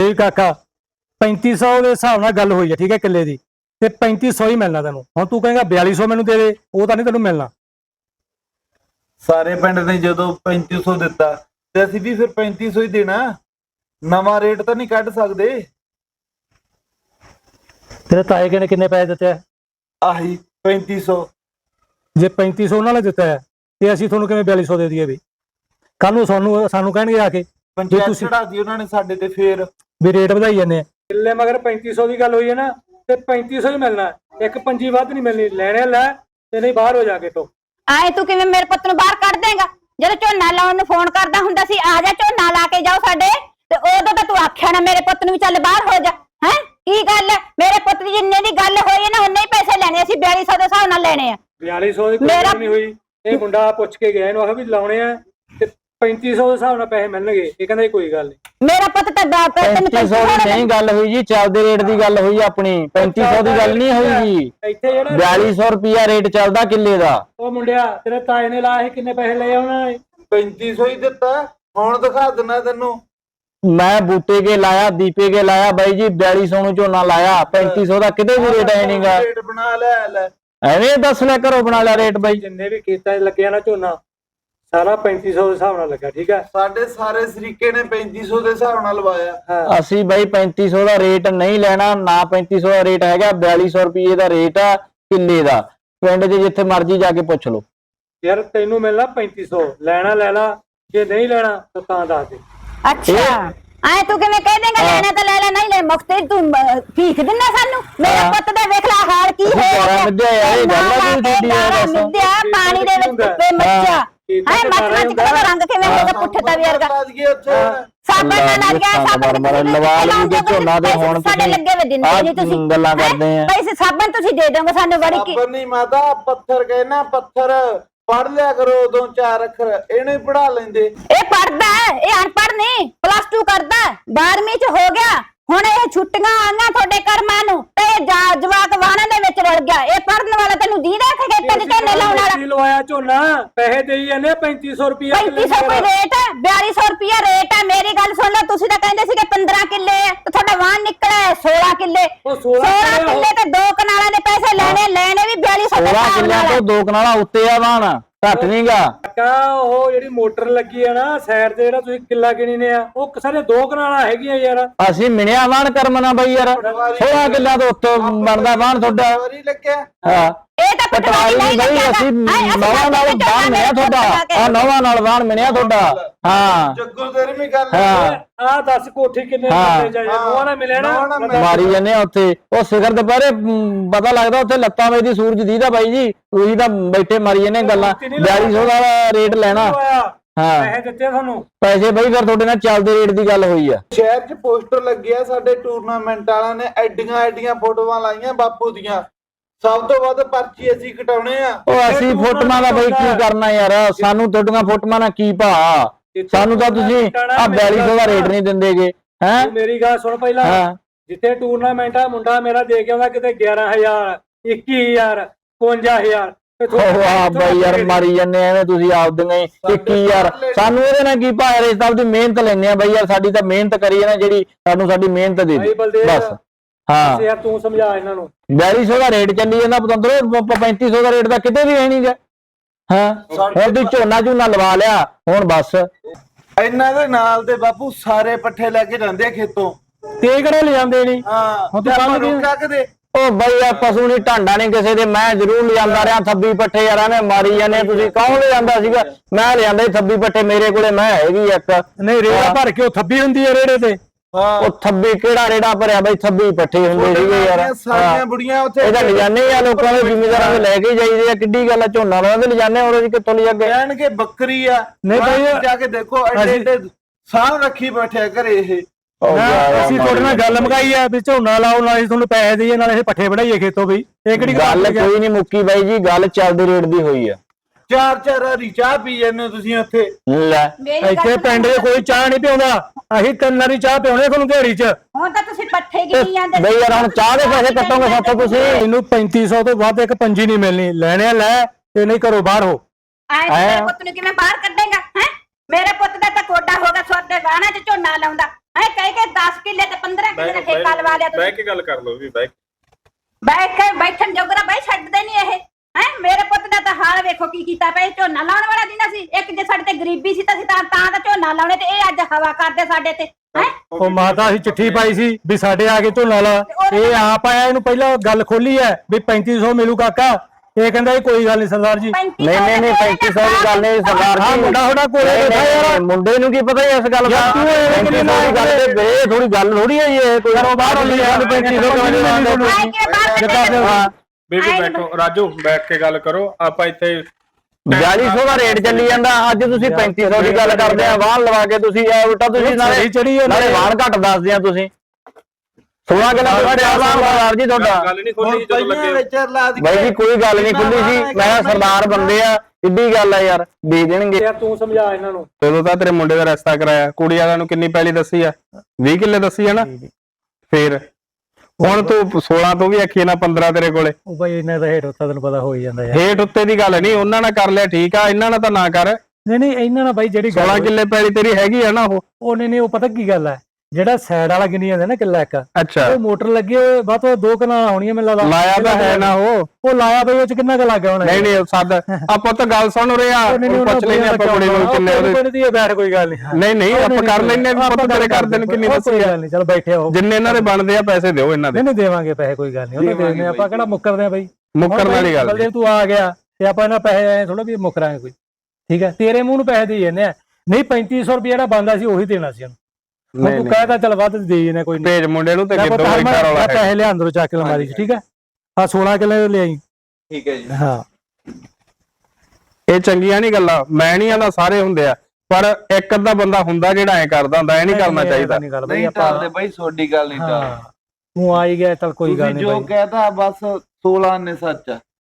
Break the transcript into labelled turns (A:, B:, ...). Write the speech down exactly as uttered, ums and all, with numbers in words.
A: ਕੋਈ ਕਾਕਾ पैंती सौ के हिसाब नाल गल हुई है ठीक है किले की ते पैंती सौ ही मिलना तेन हुण तू कहेगा बयाली सौ मैनू दे दे वो तो नहीं तेन मिलना
B: सारे पिंड ने जो पैंती सौ दिता ते असीं भी फिर पैंती सौ ही देना नवा रेट तो नहीं कढ़ सकदे
A: तेरे ताए के ने किन्ने पैसे दिते
B: आही पैंती सौ
A: जे पैंती सौ उन्होंने ने दिता है तो असीं तुहानूं किवें बयाली सौ दे दईए भी कल नूं सानूं सानूं कहणगे आके
B: पंचायत चढ़ा दी उन्होंने साडे ते फिर
A: भी रेट वधाई जाने किले मगर पैंती सौ की गल हुई है ना ते पैंती सौ ही मिलना एक पंजी वध नहीं मिलनी लैणे लै ते नहीं बाहर हो जाके तो
C: आए तू किवें मेरे पुੱਤ ਨੂੰ ਬਾਹਰ ਕੱਢ ਦੇਂਗਾ ਜਦੋਂ ਝੋਨਾ ਲਾਉਣ ਨੂੰ ਫੋਨ ਕਰਦਾ ਹੁੰਦਾ ਸੀ ਆ ਜਾ ਝੋਨਾ ਲਾ ਕੇ ਜਾਓ ਸਾਡੇ ਤੇ ਉਦੋਂ ਤਾਂ ਤੂੰ ਆਖਿਆ ਨਾ ਮੇਰੇ ਪੁੱਤ ਨੂੰ ਵੀ ਚੱਲ ਬਾਹਰ ਹੋ ਜਾ ਹੈ ਕੀ ਗੱਲ ਹੈ ਮੇਰੇ ਪੁੱਤ ਦੀ ਜਿੰਨੇ ਦੀ ਗੱਲ ਹੋਈ ਹੈ ਨਾ ਉਹਨੇ ਹੀ ਪੈਸੇ ਲੈਣੇ ਅਸੀਂ बयाली सौ ਦੇ ਹਿਸਾਬ ਨਾਲ ਲੈਣੇ ਆ
A: बयाली सौ ਦੀ ਕੋਈ ਗੱਲ ਨਹੀਂ ਹੋਈ ਇਹ ਮੁੰਡਾ ਪੁੱਛ ਕੇ ਗਿਆ ਇਹਨੂੰ ਆਖਿਆ ਵੀ ਲਾਉਣੇ ਆ ਤੇ पैंती सौ ਦੇ ਹਿਸਾਬ ਨਾਲ ਪੈਸੇ ਮਿਲਣਗੇ ਇਹ ਕਹਿੰਦਾ ਕੋਈ ਗੱਲ ਨਹੀਂ
C: ਮੇਰਾ ਪੁੱਤ ਤਾਂ
D: पैंती सौ ਦੀ ਨਹੀਂ ਗੱਲ ਹੋਈ ਜੀ ਚੱਲਦੇ ਰੇਟ ਦੀ ਗੱਲ ਹੋਈ ਆਪਣੀ पैंती सौ ਦੀ ਗੱਲ ਨਹੀਂ ਹੋਈ ਜੀ
A: ਇੱਥੇ ਜਿਹੜਾ
D: बयाली सौ ਰੁਪਿਆ ਰੇਟ ਚੱਲਦਾ ਕਿੱਲੇ ਦਾ
A: ਉਹ ਮੁੰਡਿਆ ਤੇਰੇ ਤਾਏ ਨੇ ਲਾਏ ਕਿੰਨੇ ਪੈਸੇ ਲਏ ਉਹਨਾਂ ਨੇ
B: पैंती सौ ही दिता ਹੁਣ ਦਿਖਾ ਦਿੰਨਾ ਤੈਨੂੰ
D: ਮੈਂ ਬੂਟੇ ਕੇ ਲਾਇਆ ਦੀਪੇ ਕੇ ਲਾਇਆ ਬਾਈ ਜੀ बयाली सौ ਨੂੰ ਝੋਨਾ ਲਾਇਆ पैंती सौ ਦਾ ਕਿਤੇ ਵੀ ਰੇਟ ਹੈ ਨਹੀਂਗਾ
B: ਰੇਟ ਬਣਾ ਲੈ ਲੈ
D: ਐਵੇਂ ਦੱਸ ਲੈ ਕਰੋ ਬਣਾ ਲਿਆ ਰੇਟ ਬਾਈ
A: ਜਿੰਨੇ ਵੀ ਖੇਤਾਂ 'ਚ ਲੱਗਿਆ ਨਾ ਝੋਨਾ ਸਾਰਾ पैंती सौ ਦੇ ਹਿਸਾਬ ਨਾਲ ਲੱਗਾ ਠੀਕ ਹੈ
B: ਸਾਡੇ ਸਾਰੇ ਸਰੀਕੇ ਨੇ पैंती सौ ਦੇ ਹਿਸਾਬ ਨਾਲ ਲਵਾਇਆ
D: ਅਸੀਂ ਬਾਈ पैंती सौ ਦਾ ਰੇਟ ਨਹੀਂ ਲੈਣਾ ਨਾ पैंती सौ ਦਾ ਰੇਟ ਹੈਗਾ बयाली सौ ਰੁਪਏ ਦਾ ਰੇਟ ਆ ਕਿੱਲੇ ਦਾ ਪਿੰਡ 'ਚ ਜਿੱਥੇ ਮਰਜ਼ੀ ਜਾ ਕੇ ਪੁੱਛ ਲਓ
A: ਯਾਰ ਤੈਨੂੰ ਮਿਲਣਾ पैंती सौ ਲੈਣਾ ਲੈ ਲਾ ਜੇ ਨਹੀਂ ਲੈਣਾ ਤਾਂ ਤਾਂ ਦੱਸ ਦੇ
C: ਅੱਛਾ ਆਏ ਤੂੰ ਕਿਵੇਂ ਕਹਿ ਦੇਂਗਾ ਲੈਣਾ ਤਾਂ ਲੈ ਲੈ ਨਹੀਂ ਲੈ ਮੁਖਤੇ ਤੂੰ ਭੀਖ ਦਿੰਦਾ ਸਾਨੂੰ ਮੇਰੇ ਪੁੱਤ ਦਾ ਵੇਖ ਲੈ ਹਾਲ ਕੀ ਹੋਇਆ
D: ਮਿੱਧਿਆ ਯਾਰ ਇਹ ਗੱਲ ਆ ਕੋਈ ਤੁਹਾਡੀ ਯਾਰ ਦੱਸ
C: ਮਿੱਧਿਆ ਪਾਣੀ ਦੇ ਵਿੱਚ ਧੁੱਪੇ ਮੱਛਾ ਹਾਏ ਮੱਛ ਮੱਛ ਕਿਹਦਾ ਰੰਗ ਕਿਵੇਂ ਹੋ ਗਿਆ ਪੁੱਠੇ ਤਵੇ ਵਰਗਾ
B: ਲਾ ਦਈਏ ਉੱਥੇ
C: ਸਾਬਣ ਨਾਲ ਲੱਗ ਗਿਆ ਸਾਬਣ
D: ਲਵਾ ਲਈਏ ਝੋਨਾ ਦੇ ਹੁਣ
C: ਸਾਡੇ ਲੱਗੇ ਵੇ ਦਿੰਦੇ ਜੀ ਤੁਸੀਂ
D: ਗੱਲਾਂ ਕਰਦੇ ਆ
C: ਪੈਸੇ ਸਾਬਣ ਤੁਸੀਂ ਦੇ ਦੋਗੇ ਸਾਨੂੰ ਬੜੀ ਕੀ
B: ਸਾਬਣ ਨਹੀਂ ਮਾਤਾ ਪੱਥਰ ਕਹਿਣਾ ਪੱਥਰ ਪੜ ਲਿਆ ਕਰੋ ਉਦੋਂ ਚਾਰ ਅੱਖਰ ਇਹਨੇ ਪੜਾ ਲੈਂਦੇ
C: ਇਹ ਪੜਦਾ ਇਹ ਅਨਪੜ ਨਹੀਂ ਪਲੱਸ टू ਕਰਦਾ ਬਾਰਵੀਂ ਚ ਹੋ ਗਿਆ ਹੁਣ ਇਹ ਛੁੱਟੀਆਂ ਆਈਆਂ ਤੁਹਾਡੇ ਕਰਮਾਂ ਨੂੰ ਤੇ ਜਵਾਕ ਵਾਹਨਾਂ ਦੇ ਵਿੱਚ ਰੁਲ ਗਿਆ ਇਹ ਪੜਨ ਵਾਲਾ ਤੈਨੂੰ ਦੀਦਾ ਕਿ ਖੇਤਾਂ ਦੇ ਝੋਨੇ ਲਾਉਣ ਵਾਲਾ
A: ਕੀ ਲਵਾਇਆ ਝੋਨਾ ਪੈਸੇ ਦੇਈ ਜਾਂਦੇ पैंती सौ ਰੁਪਏ
C: पैंती सौ ਕੋਈ ਰੇਟ ਹੈ बयाली सौ ਰੁਪਏ ਰੇਟ ਹੈ ਮੇਰੀ ਗੱਲ ਸੁਣ ਲੈ ਤੁਸੀਂ ਤਾਂ ਕਹਿੰਦੇ ਸੀਗੇ पंद्रह ਕਿੱਲੇ ਤੇ ਤੁਹਾਡਾ ਵਾਹਨ ਨਿਕਲਿਆ सोलह ਕਿੱਲੇ सोलह ਕਿੱਲੇ ਤੇ ਦੋ ਕਨਾਲਾਂ ਦੇ ਪੈਸੇ ਲੈਣੇ ਲੈਣੇ ਵੀ बयाली सौ
D: सोलह ਕਿੱਲਿਆਂ ਤੋਂ ਦੋ ਕਨਾਲਾਂ ਉੱਤੇ ਆ ਵਾਹਨ ਘੱਟ ਨਹੀਂਗਾ
A: ਕਾ ਉਹ ਜਿਹੜੀ ਮੋਟਰ ਲੱਗੀ ਆ ਨਾ ਸਾਈਡ ਤੇ ਜਿਹੜਾ ਤੁਸੀਂ ਕਿੱਲਾ ਗਿਣੀ ਨੇ ਆ ਉਹ ਸਾਰੇ ਦੋ ਕਨਾਲਾਂ ਹੈਗੀਆਂ ਯਾਰ
D: ਅਸੀਂ ਮਿਣਿਆ ਵਾਹਨ ਕਰਮਨਾ ਬਈ ਯਾਰ सोलह ਕਿੱਲਿਆਂ ਤੋਂ ਉੱਤੇ ਬਣਦਾ ਵਾਹਨ ਤੁਹਾਡਾ
B: ਵਾਰੀ ਲੱਗਿਆ
D: ਹਾਂ
C: ਇਹ ਤਾਂ
D: ਪਟਵਾਰੀ ਨਹੀਂ ਬਈ ਅਸੀਂ ਨੌਵਾਂ ਨਾਲ ਵਾਹਨ ਮਿਣਿਆ ਤੁਹਾਡਾ ਆ ਨੌਵਾਂ ਨਾਲ ਵਾਹਨ ਮਿਣਿਆ ਤੁਹਾਡਾ ਹਾਂ
B: ਜੱਗੋ ਤੇਰੀ ਵੀ ਗੱਲ
A: ਆ ਦੱਸ ਕੋਠੀ ਕਿੰਨੇ ਮਿਲਦੇ ਜਾਈਏ ਉਹ ਨਾ ਮਿਲੇ ਨਾ
D: ਮਾਰੀ ਜਾਂਦੇ ਆ ਉੱਥੇ ਉਹ ਸਿਖਰ ਦੁਪਹਿਰੇ ਪਤਾ ਲੱਗਦਾ ਉੱਥੇ ਲੱਤਾਂ ਵਿੱਚ ਦੀ ਸੂਰਜ ਦੀਦਾ ਬਾਈ ਜੀ ਉਹੀ ਤਾਂ ਬੈਠੇ ਮਾਰੀ ਜਾਂਦੇ ਗੱਲਾਂ बयाली सौ ਦਾ ਰੇਟ ਲੈਣਾ ਹਾਂ
A: ਪੈਸੇ ਦਿੱਤੇ ਤੁਹਾਨੂੰ
D: ਪੈਸੇ ਬਈ ਫਿਰ ਤੁਹਾਡੇ ਨਾਲ ਚੱਲਦੇ ਰੇਟ ਦੀ ਗੱਲ ਹੋਈ ਆ
B: ਸ਼ਹਿਰ 'ਚ ਪੋਸਟਰ ਲੱਗਿਆ ਸਾਡੇ ਟੂਰਨਾਮੈਂਟ ਵਾਲਿਆਂ ਨੇ ਐਡੀਆਂ ਐਡੀਆਂ ਫੋਟੋਆਂ ਲਾਈਆਂ ਬਾਪੂ ਦੀਆਂ ਸਭ ਤੋਂ ਵੱਧ ਪਰਚੀ ਅਸੀਂ ਕਟਾਉਣੇ ਆ
D: ਉਹ ਅਸੀਂ ਫੋਟੋਆਂ ਦਾ ਬਈ ਕੀ ਕਰਨਾ ਯਾਰ ਸਾਨੂੰ ਤੁਹਾਡੀਆਂ ਫੋਟੋਆਂ ਨਾਲ ਕੀ ਭਾ ਸਾਨੂੰ ਤਾਂ ਤੁਸੀਂ ਆ बयाली सौ ਦਾ ਰੇਟ ਨਹੀਂ ਦਿੰਦੇਗੇ ਹੈ
A: ਮੇਰੀ ਗੱਲ ਸੁਣ ਪਹਿਲਾਂ ਜਿੱਥੇ ਟੂਰਨਾਮੈਂਟ ਆ ਮੁੰਡਾ ਮੇਰਾ ਦੇ ਕੇ ਆਉਂਦਾ ਕਿਤੇ ਗਿਆਰਾਂ ਹਜ਼ਾਰ ਇੱਕੀ ਹਜ਼ਾਰ ਇਕਵੰਜਾ ਹਜ਼ਾਰ
D: ਉਹ ਆ ਬਾਈ ਯਾਰ ਮਾਰੀ ਜਾਂਦੇ ਐਵੇਂ ਤੁਸੀਂ ਆਪਦੀਆਂ ਹੀ ਇੱਕੀ ਹਜ਼ਾਰ ਸਾਨੂੰ ਇਹਦੇ ਨਾਲ ਕੀ ਭਾਅ ਰੇਸ ਸਾਹਿਬ ਦੀ ਮਿਹਨਤ ਲੈਣੇ ਆ ਬਾਈ ਯਾਰ ਸਾਡੀ ਤਾਂ ਮਿਹਨਤ ਕਰੀ ਹੈ ਨਾ ਜਿਹੜੀ ਸਾਨੂੰ ਸਾਡੀ ਮਿਹਨਤ ਦੇ ਦੇ ਬਸ ਹਾਂ
A: ਯਾਰ ਤੂੰ ਸਮਝਾ ਇਹਨਾਂ ਨੂੰ
D: बयाली सौ ਦਾ ਰੇਟ ਚੱਲੀ ਜਾਂਦਾ ਪਤੰਦਰੋ पैंती सौ ਦਾ ਰੇਟ ਤਾਂ ਕਿਤੇ ਵੀ ਹੈ ਨਹੀਂਗਾ ਹਾਂ ਹੁਣ ਤੂੰ ਝੋਨਾ ਝੂਨਾ ਲਵਾ ਲਿਆ ਹੁਣ ਬਸ
B: ਇਹਨਾਂ ਦੇ ਨਾਲ ਦੇ ਬਾਪੂ ਸਾਰੇ ਪੱਠੇ ਲੈ ਕੇ ਜਾਂਦੇ ਆ ਖੇਤੋਂ
A: ਤੇ ਕਿਹੜੇ ਲੈ ਜਾਂਦੇ ਨਹੀਂ
B: ਹਾਂ
A: ਹੁਣ ਤੂੰ ਕੰਮ ਨਹੀਂ
B: ਰੱਖਦੇ
D: ਉਹ ਬਈ ਯਾਰ ਪਸ਼ੂ ਨਹੀਂ ਢਾਂਡਾ ਨਹੀਂ ਕਿਸੇ ਦੇ ਮੈਂ ਜ਼ਰੂਰ ਲਿਆਂਦਾ ਰਿਹਾ ਥੱਬੀ ਪੱਠੇ ਯਾਰ ਐਵੇਂ ਮਾਰੀ ਜਾਂਦੇ ਤੁਸੀਂ ਕੌਣ ਲੈ ਜਾਂਦਾ ਸੀਗਾ ਮੈਂ ਲਿਆਂਦਾ ਸੀ ਥੱਬੀ ਪੱਠੇ ਮੇਰੇ ਕੋਲੇ ਮੈਂ ਹੈਗੀ ਇੱਕ
A: ਨਹੀਂ ਰੇੜਾ ਭਰ ਕੇ ਉਹ ਥੱਬੀ ਹੁੰਦੀ ਹੈ ਰੇੜੇ ਤੇ
D: ਉਹ ਥੱਬੀ ਕਿਹੜਾ ਰੇੜਾ ਭਰਿਆ ਬਈ ਥੱਬੀ ਪੱਠੇ ਹੁੰਦੇ ਸੀਗੇ ਯਾਰ
B: ਸਾਰੀਆਂ ਬੁੜੀਆਂ ਉੱਥੇ
D: ਇਹਦਾ ਲਿਜਾਨੇ ਆ ਲੋਕਾਂ ਦੇ ਜ਼ਿਮੀਦਾਰਾਂ ਦੇ ਲੈ ਕੇ ਜਾਈਦੇ ਆ ਕਿੱਡੀ ਗੱਲ ਆ ਝੋਨਾ ਲਾਉਂਦੇ ਲਿਜਾਨੇ ਹੋਰ ਅਸੀਂ ਕਿੱਥੋਂ ਲਿਜਾ ਗਏ
B: ਕਹਿਣਗੇ ਬੱਕਰੀ ਆ
A: ਨਹੀਂ ਭਾਈ
B: ਜਾ ਕੇ ਦੇਖੋ ਐਡੇ ਐਡੇ ਸਾਹ ਰੱਖੀ ਬੈਠੇ ਘਰੇ ਇਹ
A: ਅਸੀਂ ਤੁਹਾਡੇ ਨਾਲ ਗੱਲ ਮੁਕਾਈ ਆ ਵੀ ਝੋਨਾ ਲਾਓ ਨਾਲੇ ਤੁਹਾਨੂੰ ਪੈਸੇ ਦੇਈਏ ਨਾਲੇ ਇਹ ਪੱਠੇ ਵਢਾਈਏ ਖੇਤੋਂ ਬਈ ਇਹ ਕਿਹੜੀ
D: ਗੱਲ ਕੋਈ ਨਹੀਂ ਮੁੱਕੀ ਬਾਈ ਜੀ ਗੱਲ ਚੱਲਦੇ ਰੇਟ ਦੀ ਹੋਈ ਆ
B: ਚਾਰ ਚਾਰ ਵਾਰੀ ਚਾਹ ਪੀ ਜਾਂਦੇ ਤੁਸੀਂ ਉੱਥੇ
D: ਲੈ
A: ਇੱਥੇ ਪਿੰਡ 'ਚ ਕੋਈ ਚਾਹ ਨਹੀਂ ਪਿਆਉਂਦਾ ਅਸੀਂ ਤਿੰਨ ਵਾਰੀ ਚਾਹ ਪਿਆਉਣੇ ਤੁਹਾਨੂੰ ਦਿਹਾੜੀ 'ਚ
C: ਹੁਣ ਤਾਂ ਤੁਸੀਂ ਪੱਠੇ ਗਿਣੀ ਜਾਂਦੇ
D: ਬਈ ਯਾਰ ਹੁਣ ਚਾਹ ਦੇ ਪੈਸੇ ਕੱਟੋਗੇ ਸਾਥੋਂ ਤੁਸੀਂ
A: ਇਹਨੂੰ पैंती सौ ਤੋਂ ਵੱਧ ਇੱਕ ਪੰਜੀ ਨਹੀਂ ਮਿਲਣੀ ਲੈਣੇ ਲੈ ਤੇ ਨਹੀਂ ਘਰੋਂ ਬਾਹਰ ਹੋ
C: ਆਏ ਮੇਰੇ ਪੁੱਤ ਨੂੰ ਕਿਵੇਂ ਬਾਹਰ ਕੱਢੇਗਾ ਹੈ ਮੇਰੇ ਪੁੱਤ ਦਾ ਤਾਂ ਕੋਡਾ ਹੋ ਗਿਆ ਸੋਤੇ ਵਾਹਣਾ ਚ ਝੋਨਾ ਲਾਉਂਦਾ ਐ ਕਹਿ ਕੇ ਦਸ ਕਿੱਲੇ ਤੇ ਪੰਦਰਾਂ ਕਿੱਲੇ ਦਾ ਠੇਕਾ ਲਵਾ ਲਿਆ
E: ਬਹਿ
C: ਤੁਸੀਂ
E: ਕੇ ਗੱਲ ਕਰ ਲਓ ਵੀ ਬਹਿ ਕੇ।
C: ਬੈਠ ਕੇ ਬੈਠਣ ਜੋਗਰਾ ਬਾਈ ਛੱਡਦੇ ਨਹੀਂ ਇਹ ਹੈ ਮੇਰੇ ਪੁੱਤ ਦਾ ਤਾਂ ਹਾਲ ਵੇਖੋ ਕੀ ਕੀਤਾ ਪਿਆ ਝੋਨਾ ਲਾਉਣ ਵਾਲਾ ਦਿਨ ਸੀ ਇੱਕ ਜੇ ਸਾਡੇ ਤੇ ਗਰੀਬੀ ਸੀ ਤਾਂ ਅਸੀਂ ਤਾਂ ਤਾਂ ਤਾਂ ਝੋਨਾ ਲਾਉਣੇ ਤੇ ਇਹ ਅੱਜ ਹਵਾ ਕਰਦੇ ਸਾਡੇ ਤੇ ਹੈ
A: ਉਹ ਮਾਤਾ ਅਸੀਂ ਚਿੱਠੀ ਪਾਈ ਸੀ ਵੀ ਸਾਡੇ ਆ ਕੇ ਝੋਨਾ ਲਾ ਇਹ ਆਪ ਆਇਆ ਇਹਨੂੰ ਪਹਿਲਾਂ ਗੱਲ ਖੋਲੀ ਹੈ ਵੀ ਪੈਂਤੀ ਸੌ ਮਿਲੂ ਕਾਕਾ ਇਹ ਕਹਿੰਦਾ ਜੀ ਕੋਈ ਗੱਲ ਨਹੀਂ ਸਰਦਾਰ ਜੀ
D: ਨਹੀਂ ਨਹੀਂ ਨਹੀਂ ਪੈਂਤੀ ਸੌ ਦੀ ਗੱਲ ਨਹੀਂ ਸਰਦਾਰ
A: ਹਾਂ
D: ਜੀ
A: ਮੁੰਡਾ ਤੁਹਾਡਾ ਕੋਲੇ
D: ਨਹੀਂ,
A: ਬੈਠਾ
D: ਨਹੀਂ,
A: ਯਾਰ
D: ਮੁੰਡੇ ਨੂੰ ਕੀ ਪਤਾ ਇਸ ਗੱਲ ਦਾ
A: ਯਾਰ ਤੂੰ ਇਹ
D: ਪੈਂਤੀ ਸੌ ਦੀ ਗੱਲ ਤੇ ਬੇ ਥੋੜੀ ਗੱਲ ਥੋੜੀ ਹੈ ਜੀ ਇਹ ਕੋਈ
A: ਘਰੋਂ ਬਾਹਰ ਹੋਈ ਯਾਰ ਪੈਂਤੀ ਸੌ ਕਿਵੇਂ ਦੇ
C: ਆਏ ਕਿ ਬਾਹਰ
A: ਜਿੱਦਾਂ ਫਿਰ
D: ਹਾਂ
E: ਬੇਬੇ ਬੈਠੋ ਰਾਜੂ ਬੈਠ ਕੇ ਗੱਲ ਕਰੋ ਆਪਾਂ ਇੱਥੇ
D: ਬਿਆਲੀ ਸੌ ਦਾ ਰੇਟ ਚੱਲੀ ਜਾਂਦਾ ਅੱਜ ਤੁਸੀਂ ਪੈਂਤੀ ਸੌ ਦੀ ਗੱਲ ਕਰਦੇ ਆ ਵਾਹਨ ਲਵਾ ਕੇ ਤੁਸੀਂ ਇਹ ਉਲਟਾ ਤੁਸੀਂ ਨਾਲੇ
A: ਚੜੀ
D: ਨਾਲੇ ਵਾਹਨ ਘੱਟ ਦੱਸਦੇ ਆ ਤੁਸੀਂ ਸੋਲਾਂ ਕਿਲੋ ਤੁਹਾਡੇ ਆਲਾ ਸਰਦਾਰ ਜੀ ਤੁਹਾਡਾ
E: ਗੱਲ ਨਹੀਂ ਖੋਲੀ ਜਦੋਂ ਲੱਗੇ
D: ਬਾਈ ਜੀ ਕੋਈ ਗੱਲ ਨਹੀਂ ਖੁੱਲੀ ਸੀ ਮੈਂ ਕਿਹਾ ਸਰਦਾਰ ਬੰਦੇ ਆ ਸਿੱਧੀ ਗੱਲ ਆ ਯਾਰ ਦੇ ਦੇਣਗੇ
A: ਯਾਰ ਤੂੰ ਸਮਝਾ ਇਹਨਾਂ ਨੂੰ
E: ਉਦੋਂ ਤਾਂ ਤੇਰੇ ਮੁੰਡੇ ਦਾ ਰਸਤਾ ਕਰਾਇਆ ਕੁੜੀ ਵਾਲਿਆਂ ਨੂੰ ਕਿੰਨੀ ਪੈਲੀ ਦੱਸੀ ਆ ਵੀਹ ਕਿੱਲੇ ਦੱਸੀ ਆ ਨਾ ਫੇਰ ਹੁਣ ਤੂੰ ਸੋਲਾਂ ਤੋਂ ਵੀ ਆਖੀ ਨਾ ਪੰਦਰਾਂ ਤੇਰੇ ਕੋਲੇ
A: ਉਹ ਬਾਈ ਇਹਨਾਂ ਦਾ ਹੇਠ ਉੱਤਾ ਤੈਨੂੰ ਪਤਾ ਹੋ ਹੀ ਜਾਂਦਾ ਯਾਰ
E: ਹੇਠ ਉੱਤੇ ਦੀ ਗੱਲ ਨਹੀਂ ਉਹਨਾਂ ਨਾਲ ਕਰ ਲਿਆ ਠੀਕ ਆ ਇਹਨਾਂ ਨਾਲ ਤਾਂ ਨਾ ਕਰ
A: ਨਹੀਂ ਨਹੀਂ ਇਹਨਾਂ ਨਾਲ ਬਾਈ ਜਿਹੜੀ ਗੱਲ
E: ਸੋਲਾਂ ਕਿੱਲੇ ਪੈਲੀ ਤੇਰੀ ਹੈਗੀ ਆ ਨਾ ਉਹ
A: ਉਹਨੇ ਨੇ ਉਹ ਪਤਾ ਕੀ ਗੱਲ ਹੈ ਜਿਹੜਾ ਸਾਈਡ ਵਾਲਾ ਗਿਣੀ ਜਾਂਦਾ ਨਾ ਕਿੱਲਾ ਇੱਕ
E: ਅੱਛਾ
A: ਉਹ ਮੋਟਰ ਲੱਗੀ ਹੋਏ ਬਾਤ ਉਹ ਦੋ ਕਨਾਲ ਆਉਣੀਆਂ ਮੈਨੂੰ ਲੱਗਦਾ
E: ਲਾਇਆ ਤਾਂ ਹੈ ਨਾ ਉਹ
A: ਉਹ ਲਾਇਆ ਬਈ ਉਹ ਚ ਕਿੰਨਾ ਕੁ ਲੱਗ ਗਿਆ ਹੋਣਾ
E: ਨਹੀਂ ਨਹੀਂ ਸੱਦ ਆਪਾਂ ਤਾਂ ਗੱਲ ਸੁਣ ਰਹੇ ਆ ਪੁੱਛ ਲੈਨੇ ਆਪਾਂ ਕੁੜੀ ਨੂੰ ਕਿੰਨੇ ਉਹਦੇ
A: ਦੀ ਬੈਠ ਕੋਈ ਗੱਲ ਨਹੀਂ
E: ਨਹੀਂ ਨਹੀਂ ਆਪਾਂ ਕਰ ਲੈਨੇ ਵੀ ਪੁੱਤ ਤੇਰੇ ਘਰ ਦੇ ਨੂੰ ਕਿੰਨੀ ਦੱਸੀ
A: ਕੋਈ
E: ਆ
A: ਗੱਲ ਨਹੀਂ ਚਲ ਬੈਠੇ ਹੋ
E: ਜਿੰਨੇ ਇਹਨਾਂ ਦੇ ਬਣਦੇ ਆ ਪੈਸੇ ਦਿਓ ਇਹਨਾਂ ਦੇ
A: ਨਹੀਂ ਨਹੀਂ ਦੇਵਾਂਗੇ ਪੈਸੇ ਕੋਈ ਗੱਲ ਨਹੀਂ ਉਹ ਤਾਂ ਦੇਣੇ ਆਪਾਂ ਕਿਹੜਾ ਮੁੱਕਰਦੇ ਆ ਬਾਈ
E: ਮੁੱਕਰਨ ਵਾਲੀ ਗੱਲ
A: ਬਲਦੇਵ ਤੂੰ ਆ ਗਿਆ ਤੇ ਆਪਾਂ ਇਹਨਾਂ ਪੈਸੇ ਐ ਥੋੜਾ ਵੀ ਮੁੱਕਰਾਂਗੇ ਕੋਈ ਠੀਕ ਹੈ ਤੇਰੇ ਮੂੰਹ ਨੂੰ ਪੈਸੇ ਦੇ ਜਾਂਦੇ ਆ ਨਹੀਂ ਪੈਂਤੀ ਸੌ ਰੁਪਏ ਜਿਹੜਾ ਬੰਦਾ ਸੀ ਉਹੀ ਦੇਣਾ ਸੀ ਉਹਨੂੰ ਤੂੰ ਕਹਿਦਾ ਚਲ ਵੱਧ ਦੇ ਜਨੇ ਕੋਈ
E: ਭੇਜ ਮੁੰਡੇ ਨੂੰ ਤੇ ਕਿੱਦੋਂ ਇੱਕਾ ਰੌਲਾ ਹੈ
A: ਪੈਸੇ ਲਿਆ ਅੰਦਰੋਂ ਚੱਕ ਕੇ ਅਲਮਾਰੀ ਚ ਠੀਕ ਹੈ ਆ ਸੋਲਾਂ ਕਿੱਲੇ ਲਿਆਈ
B: ਠੀਕ ਹੈ ਜੀ
A: ਹਾਂ
E: ਇਹ ਚੰਗੀਆਂ ਨਹੀਂ ਗੱਲਾਂ ਮੈਂ ਨਹੀਂ ਆਂਦਾ ਸਾਰੇ ਹੁੰਦੇ ਆ ਪਰ ਇੱਕ ਅੱਧਾ ਬੰਦਾ ਹੁੰਦਾ ਜਿਹੜਾ ਐ ਕਰਦਾ ਹੁੰਦਾ ਐ ਨਹੀਂ ਕਰਨਾ ਚਾਹੀਦਾ
B: ਨਹੀਂ ਟਾਲਦੇ ਬਾਈ ਤੁਹਾਡੀ ਗੱਲ ਨਹੀਂ ਟਾਲਦੇ
A: ਤੂੰ ਆਈ ਗਿਆ ਚਲ ਕੋਈ ਗੱਲ
B: ਤੁਸੀਂ
A: ਨਹੀਂ
B: ਜੋ ਕਹਿਤਾ ਬਸ ਸੋਲਾਂ ਨੇ ਸੱਚ ਆ